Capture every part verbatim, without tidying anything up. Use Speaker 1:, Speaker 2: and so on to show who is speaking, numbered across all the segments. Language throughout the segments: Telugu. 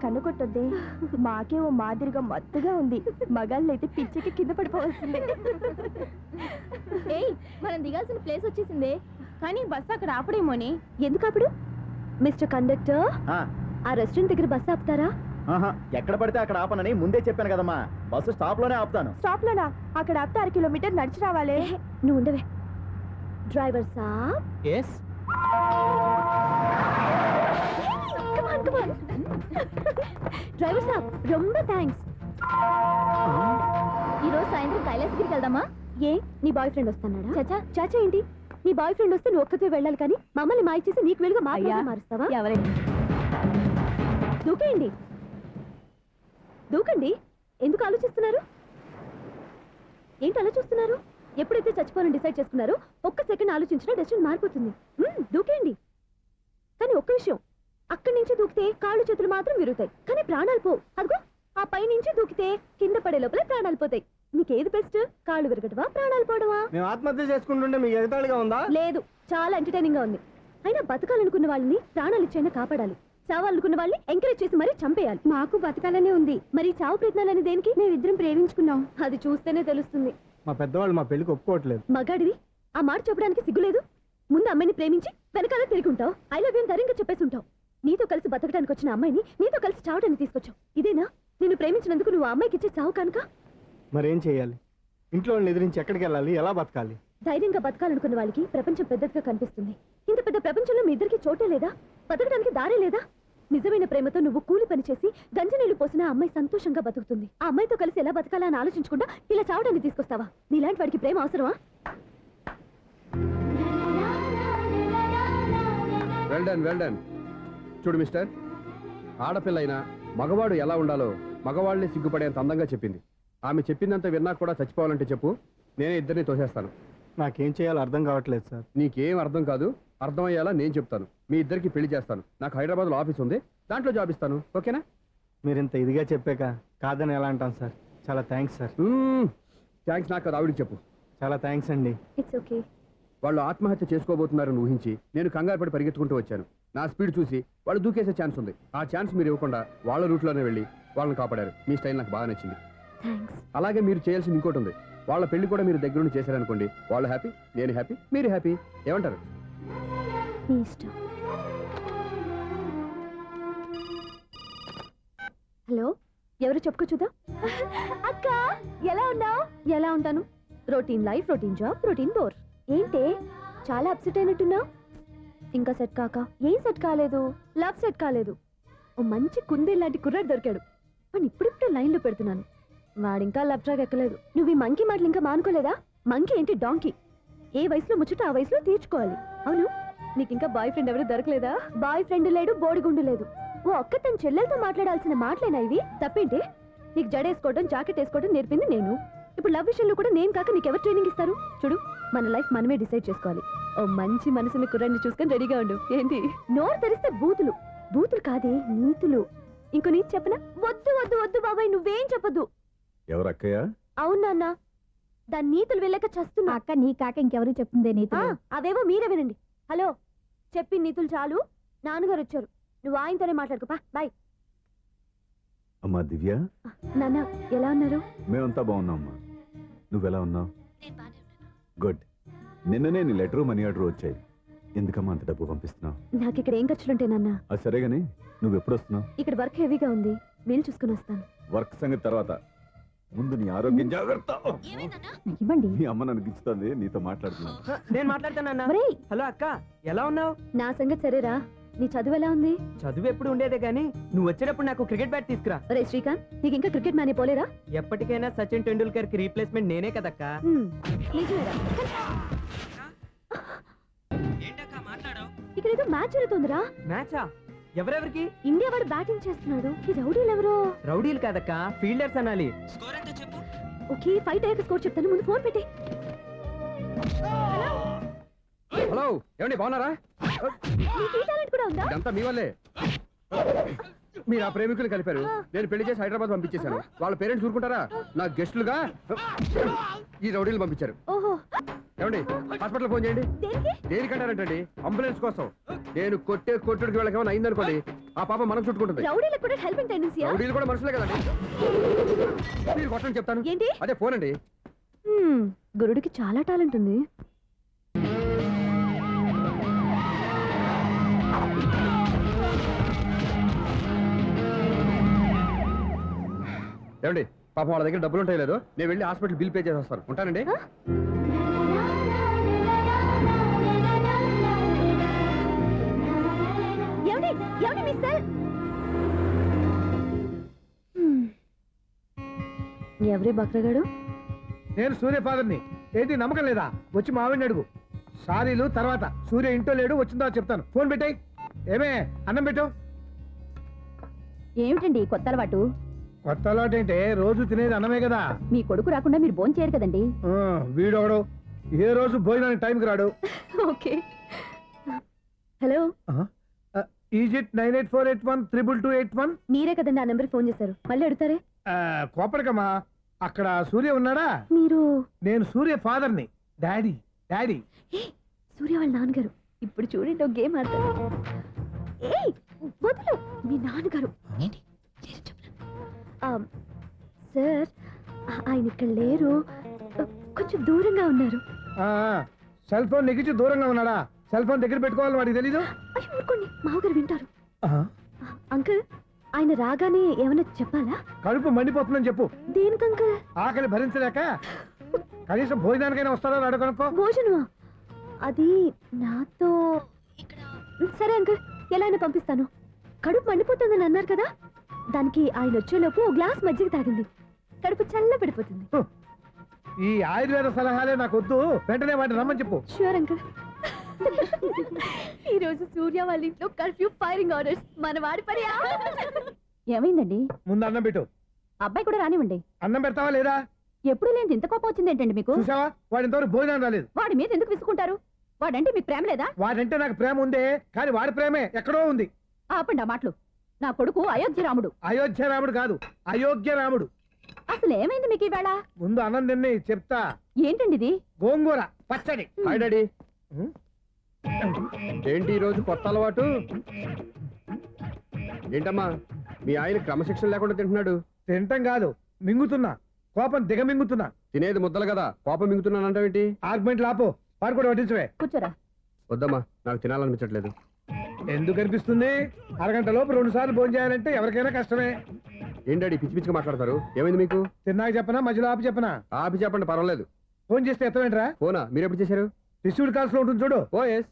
Speaker 1: కన్ను కొట్టొద్దే. మాకే ఓ మాదిరిగా మత్తుగా ఉంది. మగాళ్ళు అయితే పిచ్చికి కింద పడిపోవాల్సిందే. ఏయ్, మనం దిగాల్సిన ప్లేస్ వచ్చేసిందే, కానీ బస్సు అక్కడ ఆపడేమోనే. ఎందుకు ఆపడు? మిస్టర్ కండక్టర్, ఆ రెస్టారెంట్ దగ్గర బస్సు ఆపుతారా?
Speaker 2: ఎక్కడ పడితే అక్కడ ఆపనని ముందే చెప్పాను కదమ్మా. బస్సు స్టాప్ లోనే ఆపుతాను.
Speaker 1: స్టాప్ లోనా? అక్కడ ఆపితే అర కిలోమీటర్ నడిచి రావాలి. నువ్వు ఉండవే. డ్రైవర్ సాబ్.
Speaker 2: ఎస్.
Speaker 1: డ్రైవర్ సాబ్, రొంబ థ్యాంక్స్. ఈ రోజు సాయంత్రం కైలాసగిరికి వెళ్దామా? ఏ, నీ బాయ్ ఫ్రెండ్ వస్తున్నాడా? చాచా చాచా ఏంటి? నీ బాయ్ ఫ్రెండ్ వస్తే నువ్వు ఒక్కతే వెళ్ళాలి, కానీ మమ్మల్ని మాయ చేసి నీకు వెలుగా మారుస్తావా? ఎవరైనా దూకేయండి, దూకండి. ఎందుకు ఆలోచిస్తున్నారు? ఏంటి అలా చూస్తున్నారు? ఎప్పుడైతే చచ్చిపోవాలని డిసైడ్ చేసుకున్నారో ఒక్క సెకండ్ ఆలోచించినా డెసిషన్ మారిపోతుంది. దూకేయండి. కానీ ఒక్క విషయం, అక్కడి నుంచి దూకితే కాళ్ళు చేతులు మాత్రం విరుగుతాయి, కానీ ప్రాణాలు పోవు. అదిగో ఆ పై నుంచి దూకితే కింద పడే లోపలే ప్రాణాలు పోతాయి. నీకేది బెస్ట్? కాళ్ళు విరగటవా, ప్రాణాలు పోవడమా?
Speaker 3: మేము ఆత్మహత్య చేసుకుంటుంటే మీకు ఎగతాళిగా ఉందా?
Speaker 1: లేదు, చాలా ఎంటర్టైనింగ్ గా ఉంది. అయినా బతకాలనుకున్న వాళ్ళని ప్రాణాలు ఇచ్చైనా కాపాడాలి, చావాలనుకున్న వాళ్ళని ఎంకరేజ్ చేసి మరీ చంపేయాలి. మాకు బతకాలనే ఉంది, మరి చావు ప్రయత్నాలని దేనికి? మేమిద్దరం ప్రేమించుకున్నాం, అది చూస్తేనే తెలుస్తుంది.
Speaker 3: మా పెద్దవాళ్ళు మా పెళ్లికి ఒప్పుకోవట్లేదు.
Speaker 1: మగాడివి ఆ మాట చెప్పడానికి సిగ్గులేదు? ముందు అమ్మాయిని ప్రేమించి వెనకాల తిరుగుంటావు, ఐ లవ్ యూ అని ధైర్యంగా చెప్పేసి ఉంటావు. నీతో కలిసి బతకడానికి వచ్చిన అమ్మాయిని నీతో కలిసి చావడానికి తీసుకొచ్చావు. ఇదేనా నిన్ను ప్రేమించినందుకు నువ్వు ఆ అమ్మాయికి ఇచ్చే చావు కనుక?
Speaker 3: మరేం చేయాలి? ఇంట్లో వాళ్ళని ఎదిరించి ఎక్కడికి వెళ్ళాలి? ఎలా బతకాలి?
Speaker 1: ధైర్యంగా బతకాలనుకున్న వాళ్ళకి ప్రపంచం పెద్దదిగా కనిపిస్తుంది. ఇంత పెద్ద ప్రపంచంలో మీ ఇద్దరికి చోటే లేదా? బతకడానికి దారే లేదా? నిజమైన ప్రేమతో నువ్వు కూలి పని చేసి గంజనీళ్లు పోసిన ఆ అమ్మాయి సంతోషంగా బతుకుతుంది. ఆ అమ్మాయితో కలిసి ఎలా బతకాలా అని ఆలోచించకుండా ఇలా చావడానికి తీసుకొస్తావా? నీలాంటి వాడికి ప్రేమ అవసరమా?
Speaker 4: Well done well done. చూడు మిస్టర్, ఆడపిల్లైనా మగవాడు ఎలా ఉండాలో మగవాళ్ళని సిగ్గుపడేంత అందంగా చెప్పింది. ఆమె చెప్పిందంత విన్నా కూడా చచ్చిపోవాలంటే చెప్పు, నేనే ఇద్దరిని తోసేస్తాను.
Speaker 3: నాకేం చేయాలో అర్థం కావట్లేదు సార్.
Speaker 4: నీకేం అర్థం కాదు, అర్థమయ్యేలా నేను చెప్తాను. మీ ఇద్దరికి పెళ్లి చేస్తాను. నాకు హైదరాబాద్లో ఆఫీస్ ఉంది, దాంట్లో జాబ్ ఇస్తాను. ఓకేనా?
Speaker 3: మీరు ఇంత ఇదిగా చెప్పాక కాదని ఎలా అంటాను సార్. చాలా థ్యాంక్స్ సార్.
Speaker 4: థ్యాంక్స్ నాకు అది ఆవిడికి చెప్పు.
Speaker 3: చాలా థ్యాంక్స్ అండి.
Speaker 1: It's okay.
Speaker 4: వాళ్ళు ఆత్మహత్య చేసుకోబోతున్నారని ఊహించి నేను కంగారు పడి పరిగెత్తుకుంటూ వచ్చాను. నా స్పీడ్ చూసి వాళ్ళు దూకేసే ఛాన్స్ ఉంది. ఆ ఛాన్స్ మీరు ఇవ్వకుండా వాళ్ళ రూట్లోనే వెళ్ళి వాళ్ళని కాపాడారు. మీ స్టైల్ నాకు బాగా నచ్చింది. అలాగే మీరు చేయాల్సింది ఇంకోటి ఉంది. వాళ్ళ పెళ్లి కూడా మీరు దగ్గరుండి చేశారనుకోండి, వాళ్ళు హ్యాపీ, నేను హ్యాపీ, మీరు హ్యాపీ. ఏమంటారు?
Speaker 1: హలో, ఎవరు చెప్పుకో చూద్దాం. అక్క, ఎలా ఉన్నావు? ఎలా ఉంటాను? Routine life, routine job, routine bore. ఏంటే చాలా అప్సెట్ అయినట్టున్నావు? ఇంకా సెట్ కాక? ఏం సెట్ కాలేదు? లవ్ సెట్ కాలేదు. ఓ మంచి కుందే లాంటి కుర్రాడు దొరికాడు, వాడిని ఇప్పుడిప్పుడు లైన్లో పెడుతున్నాను. వాడింకా లవ్ ట్రాక్ ఎక్కలేదు. నువ్వు ఈ మంకీ మాటలు ఇంకా మానుకోలేదా? మంకీ ఏంటి, డాంకీ. ఏ వయసులో ముచ్చట ఆ వయసులో తీర్చుకోవాలి. అవును, నీకు ఇంకా బాయ్ ఫ్రెండ్ ఎవరు దొరకలేదా? బాయ్ ఫ్రెండ్ లేడు, బోడిగుండు లేదు. ఓ ఒక్క తన చెల్లెలతో మాట్లాడాల్సిన మాటలేనా ఇవి? తప్పేంటి? నీకు జడేసుకోవడం, జాకెట్ వేసుకోవడం నేర్పింది నేను. ఇప్పుడు లవ్ విషయంలో కూడా నేను కాక నీకెవరు ట్రైనింగ్ ఇస్తారు? చూడు, మన లైఫ్ మనమే డిసైడ్ చేసుకోవాలి. ఓ మంచి మనసుని కుర్రాన్ని చూసుకొని రెడీగా ఉండు. ఏంటి నోరు తెరిస్తే బూతులు? బూతులు కాదే, నీతులు. ఇంకో నీతి చెప్పనా? వద్దు వద్దు వద్దు బాబాయ్, నువ్వేం చెప్పొద్దు.
Speaker 5: ఎవరు అక్కయ్య?
Speaker 1: అవునా అన్న, దాని నీతులు వెళ్ళక చస్తున్నా. అక్క నీ కాక ఇంకెవరు చెప్తుందే నీతులు? అవేవో మీరే వినండి. హలో, చెప్పి నీతులు చాలు. నాన్నగారు వచ్చారు, నువ్వు ఆయనతోనే మాట్లాడుకోపా. బాయ్.
Speaker 5: అమ్మా దివ్య,
Speaker 1: నాన్న ఎలా ఉన్నారు?
Speaker 5: మేమంతా బాగున్నాం అమ్మా. నువ్వెలా ఉన్నావు? గుడ్. నిన్ననే నీ లెటరు మనీ ఆర్డర్ వచ్చాయి. ఎందుకమ్మా అంత డబ్బు పంపిస్తున్నావు?
Speaker 1: నాకు ఇక్కడ ఏం ఖర్చులుంటే నాన్న.
Speaker 5: అది సరేగాని నువ్వు ఎప్పుడు వస్తున్నావు?
Speaker 1: ఇక్కడ వర్క్ హెవీగా ఉంది, వీలు చూసుకుని వస్తాను.
Speaker 5: వర్క్ సంగతి తర్వాత, ముందు నీ ఆరోగ్యం జాగ్రత్త.
Speaker 1: ఇవ్వండి.
Speaker 5: నీ అమ్మ నన్ను గిచ్చుతుంది, నీతో మాట్లాడుతున్నాను.
Speaker 3: నేను మాట్లాడతానన్నా. హలో అక్క, ఎలా ఉన్నావు?
Speaker 1: నా సంగతి సరేరా, నీ చదువు ఎలా ఉంది?
Speaker 3: చదువు ఎప్పుడు ఉండేదే గానీ నువ్వు వచ్చేటప్పుడు నాకు క్రికెట్ బ్యాట్ తీసుకురా.
Speaker 1: ఒరే శ్రీకాంత్, నీకు ఇంకా క్రికెట్ మ్యానే పోలేరా?
Speaker 3: ఎప్పటికైనా సచిన్ టెండూల్కర్ కి రీప్లేస్మెంట్ నేనే కదక్కా.
Speaker 1: ఇక్కడ ఏదో మ్యాచ్ జరుగుతుందిరా.
Speaker 3: మ్యాచా? ఎవరెవరికి?
Speaker 1: ఇండియా వాడు బ్యాటింగ్ చేస్తున్నాడు. ఈ రౌడీలు ఎవరో?
Speaker 3: రౌడీలు కాదక్క, ఫీల్డర్స్ అనాలి.
Speaker 1: ఓకే, ఫైట్ అయ్యాక స్కోర్ చెప్తాను, ముందు ఫోన్ పెట్టే.
Speaker 4: హలో, ఏమండి బాగున్నారా?
Speaker 1: నీకు ఈ టాలెంట్ కూడా ఉందా?
Speaker 4: ఇదంతా మీ వల్లే. మీరు ఆ ప్రేమికులు కలిపారు, నేను పెళ్లి చేసి హైదరాబాద్ పంపించేశాను. వాళ్ళ పేరెంట్స్ ఊరుకుంటారా? నా గెస్టులుగా ఈ రౌడీలు పంపించారు.
Speaker 1: ఓహో,
Speaker 4: ఏమండి హాస్పిటల్ ఫోన్ చేయండి.
Speaker 1: దేనికి?
Speaker 4: దేనికంటారంటండి? అంబులెన్స్ కోసం. నేను కొట్టే కొట్టుడికి వాళ్ళకి ఏమైనా అయిందనుకోండి, ఆ పాప మనం చుట్టుకుంటుంది.
Speaker 1: రౌడీలకు కూడా హెల్పింగ్ టెండెన్సీయా?
Speaker 4: రౌడీలు కూడా మనుషులే కదండి. మీరు కొట్టండి చెప్తాను.
Speaker 1: ఏంటి?
Speaker 4: అదే ఫోన్ అండి.
Speaker 1: హ్మ్, గురుడికి చాలా టాలెంట్ ఉంది.
Speaker 4: ఏమండి పాపం వాళ్ళ దగ్గర డబ్బులు ఉంటాయి లేదు, నేను వెళ్ళి హాస్పిటల్ బిల్ పే చేసి వస్తాను. ఉంటానండి.
Speaker 1: ఆ? ఏమండి? ఏమండి మీ సెల్? హ్మ్. ఎవరి బక్రగాడు?
Speaker 3: నేను సూర్య ఫాదర్ని. ఏంటి నమ్మకం లేదా? వచ్చి మావిడిని అడుగు. సారీలు తర్వాత. సూర్య ఇంట్లో లేడు, వచ్చిందో చెప్తాను. ఫోన్ పెట్టాయి. ఏమే అన్నం పెట్టు.
Speaker 1: ఏమిటండి కొత్త అలవాటు?
Speaker 3: కొత్త అలవాటు ఏంటే? రోజు తినేది అన్నమే కదా.
Speaker 1: మీ కొడుకు రాకుండా మీరు భోజనం చేయరు కదండి.
Speaker 3: ఆ, వీడొకడు ఏ రోజు భోజనానికి టైంకి రాడు.
Speaker 1: Okay. Hello,
Speaker 3: is it nine eight four eight one triple two eight one.
Speaker 1: మీరే కదండి ఆ నెంబర్కి ఫోన్ చేశారు, మళ్ళీ అడుగుతారే?
Speaker 3: కోపడకమ్మా. అక్కడ సూర్య ఉన్నాడా?
Speaker 1: మీరు?
Speaker 3: నేను సూర్య ఫాదర్ని. డాడీ డాడీ
Speaker 1: ఏ, సూర్య వాళ్ళ నాన్నగారు. ఇప్పుడు చూడండి ఒక గేమ్ ఆడతారు. ఏయ్ వదులు, మీ నాన్నగారు. ఏంటి? చేసి చెప్పనా? ఆ, సార్ ఆ- ఆయన ఇక్కడ లేరు, ఆ, కొంచెం దూరంగా ఉన్నారు.
Speaker 3: సెల్ ఫోన్ నెగించి దూరంగా ఉన్నాడా? సెల్ ఫోన్ దగ్గర పెట్టుకోవాలని వాడికి తెలీదు.
Speaker 1: అయ్యో ఊరుకోండి, మామగారు వింటారు.
Speaker 3: ఆహా.
Speaker 1: ఆ, అంకుల్ ఆయన రాగానే ఏమైనా చెప్పాలా?
Speaker 3: కడుపు మండిపోతుందని చెప్పు.
Speaker 1: దేనికి అంకుల్?
Speaker 3: ఆకలి భరించలేక కనీసం భోజనానికైనా వస్తాడో రాడో కనుక్కో.
Speaker 1: భోజనమా? అది నాతో ఇక్కడ. సరే అంకుల్, ఎలా అయినా పంపిస్తాను. కడుపు మండిపోతుందని అన్నారు కదా, దానికి ఆయన వచ్చేలోపు ఓ గ్లాస్ మజ్జిగ తాగింది, కడుపు చల్ల పడిపోతుంది.
Speaker 3: ఈ ఆయుర్వేద సలహాలే నాకు వద్దు. వెంటనే వాటిని రమ్మని చెప్పు.
Speaker 1: Sure uncle. ఈ రోజు సూర్య వాళ్ళ ఇంట్లో కర్ఫ్యూ ఫైరింగ్ ఆర్డర్స్. మన వాడి పని. ఏమైందండి?
Speaker 3: ముందు అన్నం పెట్టు.
Speaker 1: అబ్బాయి కూడా రానివ్వండి.
Speaker 3: అన్నం పెడతావా లేదా?
Speaker 1: ఎప్పుడు లేని ఇంత కోపం వచ్చింది ఏంటండి మీకు?
Speaker 3: చూసావా, వాడి ఇంతవరకు భోజనం రాలేదు.
Speaker 1: వాడి మీద ఎందుకు విసుకుంటారు? వాడంటే మీకు ప్రేమ లేదా?
Speaker 3: వాడంటే నాకు ప్రేమ ఉందే, కానీ వాడి ప్రేమే ఎక్కడో ఉంది.
Speaker 1: ఆపండి ఆ మాటలు. నా కొడుకు అయోధ్య రాముడు.
Speaker 3: అయోధ్య రాముడు కాదు, అయోగ్య రాముడు.
Speaker 1: అసలు ఏమైంది మీకు ఈవేళ?
Speaker 3: ముందు అన్నం తిని చెప్తా.
Speaker 1: ఏంటండి ఇది?
Speaker 3: గోంగూర పచ్చడి.
Speaker 4: Hi daddy.
Speaker 3: ఉం?
Speaker 4: ఏంటి ఈ రోజు కొత్త అలవాటు? ఏంటమ్మా మీ ఆయన క్రమశిక్షణ లేకుండా తింటున్నాడు?
Speaker 3: తింటం కాదు, మింగుతున్నా. కోపం దిగమింగుతున్నా.
Speaker 4: తినేది ముద్దలు కదా, కోపం మింగుతున్నాను అంటావేంటి?
Speaker 3: ఆర్గ్మెంట్ లాపో. వాడు కూడా వడ్డించవే.
Speaker 1: కూర్చోరా.
Speaker 4: వద్దమ్మా, నాకు తినాలనిపించట్లేదు.
Speaker 3: ఎందుకు అనిపిస్తుంది? అరగంట లోపు రెండు సార్లు భోజనం చేయాలంటే ఎవరికైనా కష్టమే.
Speaker 4: ఏం డాడీ పిచ్చి పిచ్చిగా మాట్లాడతారు? ఏమైంది మీకు?
Speaker 3: తిన్నాక చెప్పనా, మధ్యలో ఆపి చెప్పనా?
Speaker 4: ఆపి చెప్పండి, పర్వాలేదు.
Speaker 3: ఫోన్ చేస్తే ఎత్తవేంట్రా?
Speaker 4: ఫోనా? మీరు ఎప్పుడు చేశారు?
Speaker 3: రిసీవ్డ్ కాల్స్ లో ఉంటుంది చూడు.
Speaker 4: Oh yes.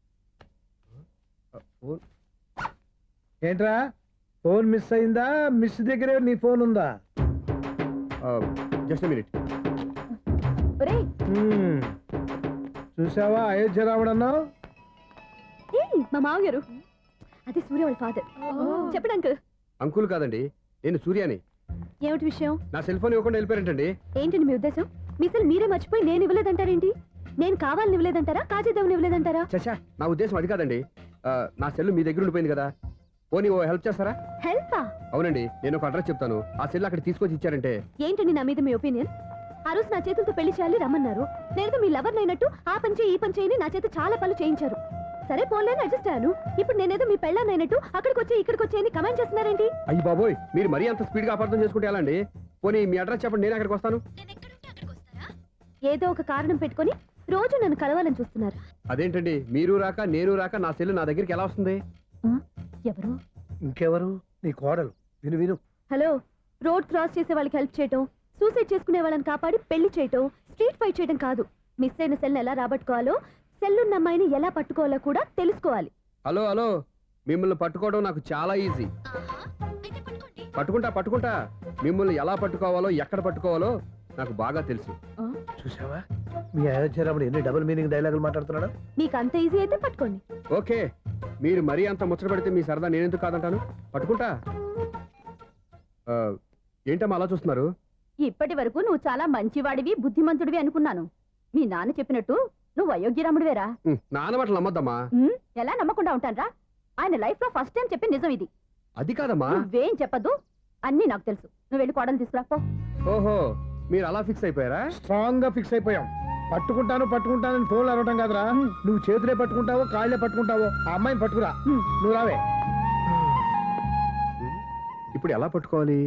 Speaker 3: ఏంట్రా, ఫోన్ మిస్ అయిందా? మిస్ దగ్గరే నీ ఫోన్ ఉందా?
Speaker 4: Just minute.
Speaker 1: ఒరేయ్,
Speaker 3: హ్మ్. చూసావా అయోధ్య రాముడు అన్నావు?
Speaker 1: ఏయ్, మా మామగారు. అది సూర్య వాళ్ళ ఫాదర్. చెప్పండి అంకుల్.
Speaker 4: అంకుల్ కాదండి, నేను సూర్యాని.
Speaker 1: ఏమిటి విషయం?
Speaker 4: నా సెల్ ఫోన్ ఇవ్వకుండా వెళ్ళిపోయారంటండి.
Speaker 1: ఏంటండి మీ ఉద్దేశం? మీ సెల్ మీరే మర్చిపోయి నేను ఇవ్వలేదంటారేంటి? నేను కావాలని ఇవ్వలేదంటారా, కాజేద్దామని ఇవ్వలేదంటారా?
Speaker 4: చచ్చా, నా ఉద్దేశం అది కాదండి. ఆ, నా సెల్ మీ దగ్గర ఉండిపోయింది కదా, పోనీ ఓ హెల్ప్ చేస్తారా?
Speaker 1: హెల్పా?
Speaker 4: అవునండి, నేను ఒక అడ్రస్ చెప్తాను, ఆ సెల్ అక్కడ తీసుకొచ్చి ఇచ్చారంటే.
Speaker 1: ఏంటండి నా మీద మీ ఒపీనియన్? ఆ రోజు నా చేతులతో పెళ్లి చేయాలి రమ్మన్నారు. నేను మీ లవర్ అయినట్టు ఆ పని చేయి ఈ పని చేయని నా చేత చాలా పనులు చేయించారు. సరే పోన్లేని అడ్జస్ట్ అయ్యాను. ఇప్పుడు నేనేదో మీ పెళ్ళాన్ని అయినట్టు అక్కడికి వచ్చి ఇక్కడికి వచ్చి కమెంట్ చేస్తున్నారేంటి?
Speaker 4: అయ్యి బాబోయ్, మీరు మరీ అంత స్పీడ్ గా అపార్థం చేసుకుంటే ఎలా అండి? పోనీ మీ అడ్రస్ చెప్పండి, నేను అక్కడికి వస్తాను.
Speaker 1: ఏదో ఒక కారణం పెట్టుకొని రోజు నన్ను కలవాలని చూస్తున్నారు.
Speaker 4: అదేంటండి, మీరు రాక నేను రాక నా సెల్ నా దగ్గరికి ఎలా వస్తుంది?
Speaker 1: ఎవరు?
Speaker 3: ఇంకెవరు? నీ కోడలు. విను విను.
Speaker 1: హలో, రోడ్ క్రాస్ చేసే వాళ్ళకి హెల్ప్ చేయటం, సూసైడ్ చేసుకునే వాళ్ళని కాపాడి పెళ్లి చేయటం, స్ట్రీట్ ఫైట్ చేయడం కాదు. మిస్ అయిన సెల్ని ఎలా రాబట్టుకోవాలో, సెల్లున్న అమ్మాయిని ఎలా పట్టుకోవాలో కూడా తెలుసుకోవాలి.
Speaker 4: హలో హలో, మిమ్మల్ని పట్టుకోవడం నాకు చాలా ఈజీ. పట్టుకుంటా పట్టుకుంటా మిమ్మల్ని ఎలా పట్టుకోవాలో ఎక్కడ పట్టుకోవాలో నాకు బాగా తెలుసు.
Speaker 3: చూసావా, మీ అయోధ్య రాముడు ఎన్ని డబుల్ మీనింగ్ డైలాగులు మాట్లాడుతున్నాడు.
Speaker 1: మీకు అంత ఈజీ అయితే పట్టుకోండి.
Speaker 4: ఓకే, మీరు మరీ అంత ముచ్చట పెడితే మీ సరదా నేనెందుకు కాదంటాను. పట్టుకుంటా. ఆ, ఏంటమ్మా అలా చూస్తున్నారు?
Speaker 1: ఇప్పటి వరకు నువ్వు చాలా మంచివాడివి, బుద్ధిమంతుడివి అనుకున్నాను. మీ నాన్న చెప్పినట్టు నువ్వు అయోగ్యరాముడివేరా?
Speaker 4: ఉమ్, నాన్న మాటలు నమ్మద్దమ్మా.
Speaker 1: ఉమ్, ఎలా నమ్మకుండా ఉంటానరా? ఆయన లైఫ్ లో ఫస్ట్ టైం చెప్పిన నిజం ఇది.
Speaker 4: అది కాదమ్మా.
Speaker 1: నువ్వేం చెప్పదు, అన్ని నాకు తెలుసు. నువ్వు వెళ్ళి కోడలు తీసుకురా పో.
Speaker 4: ఓహో, మీరు అలా ఫిక్స్ అయిపోయారా?
Speaker 3: స్ట్రాంగ్ గా ఫిక్స్ అయిపోయాం. పట్టుకుంటాను పట్టుకుంటానని ఫోన్లు అరవటం కాదురా నువ్వు చేతులే పట్టుకుంటావో కాళ్ళే పట్టుకుంటావో ఆ అమ్మాయిని పట్టుకురా
Speaker 1: హ్మ్.
Speaker 3: నువ్వు రావే
Speaker 4: ఇప్పుడు ఎలా పట్టుకోవాలి